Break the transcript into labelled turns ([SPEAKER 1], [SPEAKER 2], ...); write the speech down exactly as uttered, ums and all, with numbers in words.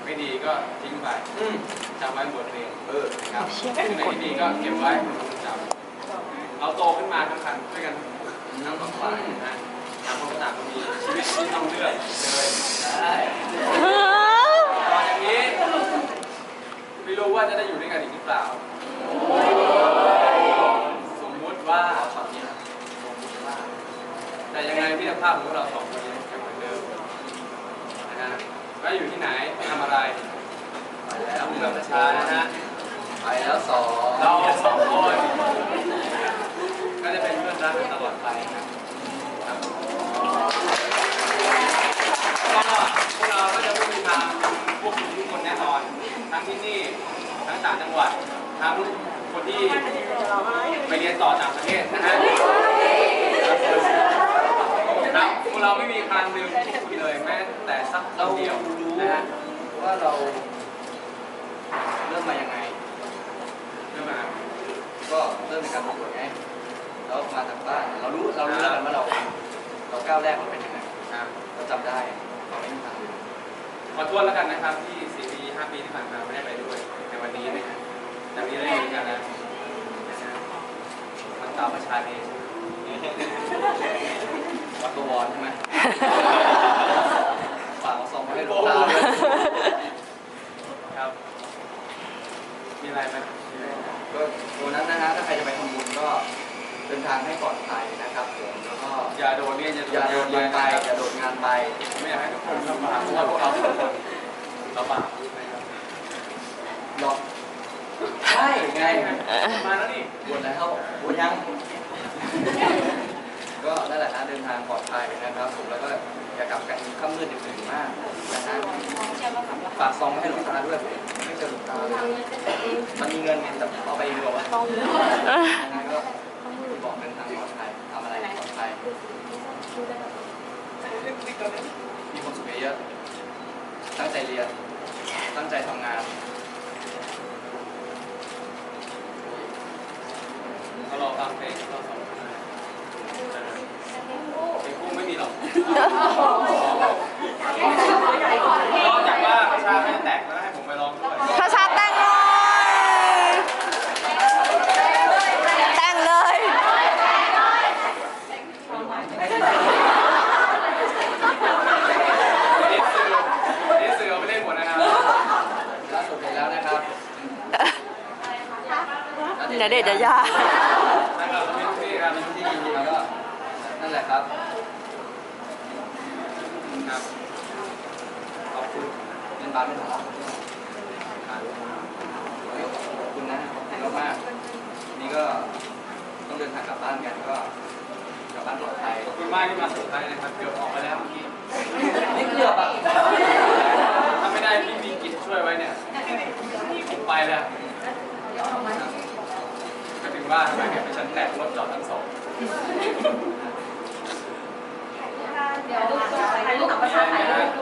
[SPEAKER 1] ไม่ดีก็ทิ้งไปจำไว้บทเรียนเออครับ
[SPEAKER 2] เชื่อ
[SPEAKER 1] ที่ไหนที่ดีก็เก็บไว้จำเราโตขึ้นมาทั้งคันด้วยกันทั้งสองฝ่ายนะต่างคนก็ต่างก็มีชีวิตที่ต้องเลือกเลยได้ตอนอย่างนี้ไม่รู้ว่าจะได้อยู่ด้วยกันอีกหรือเปล่าสมมุติว่าตอนนี้สมมุติว่าแต่ยังไงพี่ภาพของเราสองคนยังเหมือนเดิมนะฮะว่าอยู่ที่ไหนทำอะไรไปแล้วเมืองประชานะฮะไปแล้วสองเราสองคนก็จะเป็นเพื่อนรักกันตลอดไปนะครับก็พวกเราก็จะไม่มีทางพวกคุณทุกคนแน่นอนทั้งที่นี่ทั้งต่างจังหวัดทั้งคนที่ไปเรียนต่อต่างประเทศนะฮะครับพวกเราไม่มีทางลืมคุณเลยแม้แต่สักเดียวนะฮะว่าเราเริ่มมายังไงเริ่มมาก็เริ่มในการประกวดไงเรามาจากบ้านเรารู้เรารู้แล้วกันว่าเราเราก้าวแรกมันเป็นยังไงเราจำได้เราไม่มีทางลืมขอโทษแล้วกันนะครับที่สี่ปีห้าปีที่ผ่านมาไม่ได้ไปด้วยในวันนี้นะฮะจากนี้ได้อยู่กันแล้วมันตามประชาเองวัดตัววอนใช่ไหมฝากเอาซองมาให้หลวงตาด้วยครับมีอะไรไหมก็ตัวนั้นนะฮะถ้าใครจะไปทำบุญก็เดินทางให้ปลอดภัยนะครับผมแล้วก็อย่าโดดเรียนอย่าโดดเรียนไปอย่าโดดงานไปไม่อยากให้ทุกคนลำบากเพราะว่าพวกเราทุกคนลำบากนะครับหรอกใช่ไงมาแล้วนี่บวชแล้วบวชยังก็นั่นแหละนะเดินทางปลอดภัยนะครับผมแล้วก็อย่ากลับกันค่ำมืดดึกดื่นมากนะฮะฝากซองให้หลวงตาด้วยไม่เจอหลวงตาเลยมันมีเงินแต่เอาไปเองหรอวะยังไงก็บอกเดินทางปลอดภัยทำอะไรปลอดภัยมีความสุขเยอะตั้งใจเรียนตั้งใจทำงานเราลองฟังเพลงเราสองคนเพลงคู่ไม่มีหรอกนอกจากว่าประชาไม่แตกแล้วให้ผมไปร้องด้วย
[SPEAKER 2] พระชาแต่งเลยแต่งเลย
[SPEAKER 1] นี่สื่อเอาไปเล่นหมดนะครับล่าสุดเห็นแล้วนะครับ
[SPEAKER 2] ณเดชน์ยายา
[SPEAKER 1] นะครับเป็นที่ครับเป็นที่ยินแล้วก็นั่นแหละครับครับขอบคุณเงินบาทไม่ถึงขอบคุณนะขอบคุณมากๆนี่ก็ต้องเดินทางกลับบ้านกันก็กลับบ้านปลอดภัยขอบคุณมากที่มาสุดท้ายนะครับเกือบออกไปแล้วเมื่อกี้นี่เกือบอ่ะถ้าไม่ได้พี่มีกิจช่วยไว้เนี่ยผมไปแล้วก็ถึงว่าทำไมเห็นไปชั้นแตกรถจอดทั้งสอง
[SPEAKER 3] เดี๋ยวถ่ายรูปกับประชาชนถ่ายรูป